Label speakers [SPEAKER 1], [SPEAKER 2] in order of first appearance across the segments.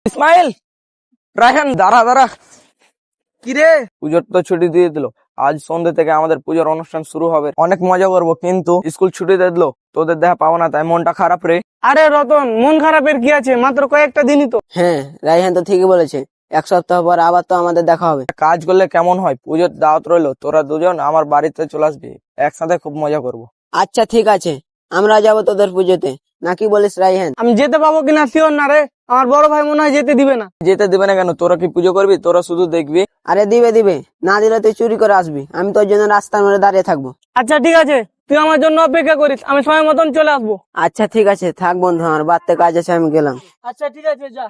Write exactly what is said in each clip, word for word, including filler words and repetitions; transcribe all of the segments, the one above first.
[SPEAKER 1] ইসমাইল, রায়হান, দাঁড়া দাঁড়া। কিরে, পুজোর তো ছুটি দিয়ে দিল। আজ সন্ধ্যে থেকে আমাদের পুজোর অনুষ্ঠান শুরু হবে। অনেক মজা করবো, কিন্তু স্কুল ছুটি দিয়ে দিল, তোদের দেখা পাবো না, তাই মনটা খারাপ রে।
[SPEAKER 2] আরে রতন, মন খারাপের কি আছে? মাত্র কয়েকটা দিনই তো।
[SPEAKER 3] হ্যাঁ, রাইহান তো ঠিকই বলেছে। এক সপ্তাহ পর আবার তো আমাদের দেখা হবে।
[SPEAKER 1] কাজ করলে কেমন হয়? পুজোর দাওয়াত রইলো, তোরা দুজন আমার বাড়িতে চলে আসবি, একসাথে খুব মজা করবো।
[SPEAKER 3] আচ্ছা ঠিক আছে, আমরা যাব তোদের পুজোতে, নাকি বলিস রাইহান?
[SPEAKER 2] আমি যেতে পাবো কিনা শিওর না রে। আমার বড় ভাই মনে হয় যেতে দিবে না।
[SPEAKER 1] যেতে দিবে না কেন? তোরা কি পুজো করবি? তোরা শুধু দেখবি।
[SPEAKER 3] আরে দিবে দিবে, না দিলে তুই চুরি করে আসবি, আমি তোর জন্য রাস্তার মধ্যে দাঁড়িয়ে থাকবো।
[SPEAKER 2] আচ্ছা ঠিক আছে, তুই আমার জন্য অপেক্ষা করিস, আমি সময় মতন চলে আসবো।
[SPEAKER 3] আচ্ছা ঠিক আছে, থাক বন্ধু, আমার বাড়তে কাজ আছে, আমি গেলাম।
[SPEAKER 2] আচ্ছা ঠিক আছে, যা।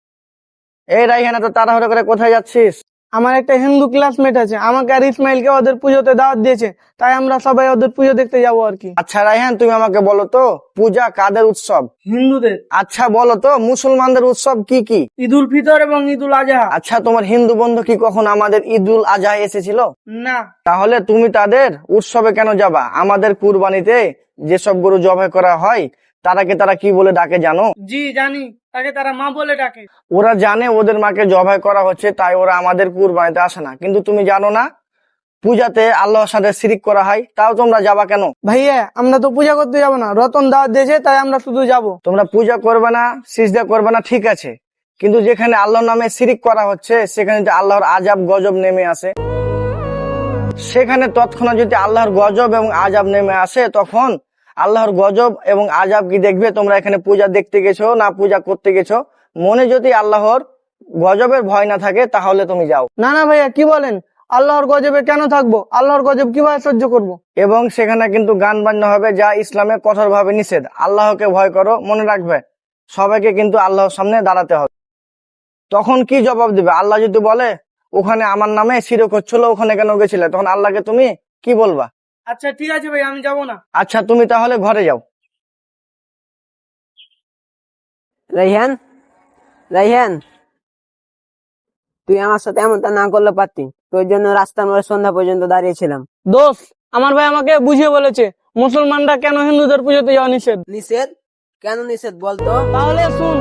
[SPEAKER 1] এই রায়হান, তো তাড়াহুড়ো করে কোথায় যাচ্ছিস?
[SPEAKER 2] আমার একটা হিন্দু ক্লাসমেট আছে, আমাকে আর ইসমাইলকে ওদের পুজোতে দাওয়াত দিয়েছে, তাই আমরা সবাই ওদের পুজো দেখতে যাবো আর কি।
[SPEAKER 1] আচ্ছা রায়হান, তুমি আমাকে বলো তো, পূজা কাদের উৎসব?
[SPEAKER 2] হিন্দুদের।
[SPEAKER 1] আচ্ছা বলো তো, মুসলমানদের উৎসব কি কি?
[SPEAKER 2] ঈদ উল ফিতর এবং ঈদ উল আজহা।
[SPEAKER 1] আচ্ছা, তোমার হিন্দু বন্ধু কি কখন আমাদের ঈদ উল আজহা এসেছিল?
[SPEAKER 2] না।
[SPEAKER 1] তাহলে তুমি তাদের উৎসবে কেন যাবা? আমাদের কুরবানিতে যেসব গরু জবাই করা হয়, তারাকে তারা কি বলে ডাকে জানো?
[SPEAKER 2] জি জানি, তাকে তারা মা বলে ডাকে।
[SPEAKER 1] ওরা জানে ওদের মাকে জবাই করা হচ্ছে, তাই ওরা আমাদের কুরবানিতে আসে না। কিন্তু তুমি জানো না, পূজাতে আল্লাহর সাথে শিরিক করা হয়, তাও তোমরা যাবা কেন?
[SPEAKER 2] ভাইয়া, আমরা তো পূজা করতে যাবো না, রতন দাওয়াত দিয়েছে, তাই আমরা শুধু যাব।
[SPEAKER 1] তোমরা পূজা করবে না, সিজদা করবে না, ঠিক আছে, কিন্তু যেখানে আল্লাহর নামে শিরিক করা হচ্ছে, সেখানে যদি আল্লাহর আজাব গজব নেমে আসে, সেখানে তৎক্ষণাৎ যদি আল্লাহর গজব এবং আজাব নেমে আসে, তখন আল্লাহর গজব এবং আজাব কি দেখবে? তোমরা এখানে পূজা দেখতে গেছো না পূজা করতে গেছো? মনে যদি আল্লাহর গজবের ভয় না থাকে, তাহলে তুমি যাও।
[SPEAKER 2] না না ভাইয়া, কি বলেন? আল্লাহর গজবে কেন থাকবো? আল্লাহর গজব কিভাবে সহ্য করব?
[SPEAKER 1] এবং সেখানে কিন্তু গান বাজনা হবে, যা ইসলামে কঠোর ভাবে নিষেধ। আল্লাহকে ভয় করো, মনে রাখবে সবাইকে কিন্তু আল্লাহর সামনে দাঁড়াতে হবে। তখন কি জবাব দিবে? আল্লাহ যদি বলে ওখানে আমার নামে শিরক হচ্ছিল, ওখানে কেন গেছিলে, তখন আল্লাহকে তুমি কি বলবা?
[SPEAKER 2] আচ্ছা ঠিক আছে ভাই, আমি যাব না।
[SPEAKER 1] আচ্ছা, তুমি তাহলে ঘরে যাও।
[SPEAKER 3] রাইহান, রাইহান, তুই আমার সাথে এমনটা না করলে পারতি, তোর জন্য রাস্তার মধ্যে সন্ধ্যা পর্যন্ত দাঁড়িয়েছিলাম।
[SPEAKER 2] দোষ, আমার ভাই আমাকে বুঝিয়ে বলেছে মুসলমানরা কেন হিন্দুদের পুজোতে যাওয়া নিষেধ।
[SPEAKER 3] নিষেধ? কেন নিষেধ বলতো?
[SPEAKER 2] তাহলে শুন।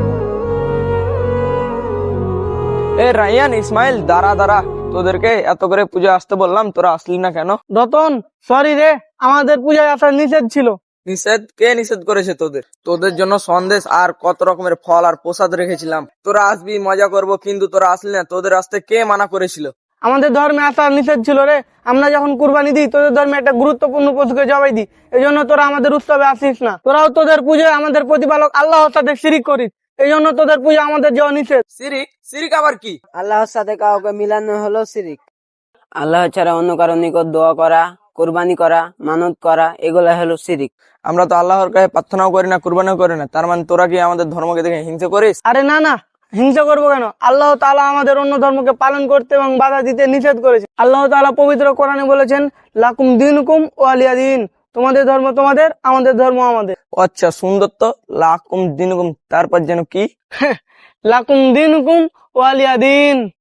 [SPEAKER 1] এ রায়ান, ইসমাইল, দাঁড়া দাঁড়া। তোদেরকে এত করে পূজা আসতে বললাম, তোরা আসলি না কেন?
[SPEAKER 2] রতন, সরি রে, আমাদের পূজায় আসার নিষেধ ছিল।
[SPEAKER 1] নিষেধ? কে নিষেধ করেছে তোদের? তোদের জন্য সন্দেশ আর কত রকমের ফল আর প্রসাদ রেখেছিলাম, তোরা আসবি, মজা করব, কিন্তু তোরা আসলি না। তোদের আসতে কে মানা করেছিল?
[SPEAKER 2] আমাদের ধর্মে আসার নিষেধ ছিল রে। আমরা যখন কুরবানি দিই, তোদের ধর্মে একটা গুরুত্বপূর্ণ পশুকে জবাই দিই, এই জন্য তোরা আমাদের উৎসবে আসিস না। তোরাও তোদের পুজোয় আমাদের প্রতিপালক আল্লাহর সাথে শিরিক করিস, এই জন্য তোদের পুজো আমাদের যাওয়া নিষেধ।
[SPEAKER 1] শিরিক? শিরিক আবার কি?
[SPEAKER 3] আল্লাহর সাথে কাউকে মিলানো হলো শিরিক। আল্লাহ ছাড়া অন্য কারো নিকট দোয়া করা, কোরবানি করা, মানত করা, এগুলা হলো শিরিক।
[SPEAKER 1] আমরা তো আল্লাহর কাছে প্রার্থনাও করি না, কুরবানিও করি না, তার মানে তোরা কি আমাদের ধর্মকে দেখে হিংসা করিস?
[SPEAKER 2] আরে না না, হিংসা করবো কেন? আল্লাহ তাআলা আমাদের অন্য ধর্মকে পালন করতে এবং বাধা দিতে নিষেধ করেছে। আল্লাহ তাআলা পবিত্র কোরআনে বলেছেন, লাকুম দিনুকুম ওয়ালিয়া দিন, তোমাদের ধর্ম তোমাদের, আমাদের ধর্ম আমাদের।
[SPEAKER 1] আচ্ছা সুন্দর তো, লাকুম দিনুকুম, তারপর যেন কি?
[SPEAKER 2] লাকুম দিনুকুম ওয়ালিয়া দিন।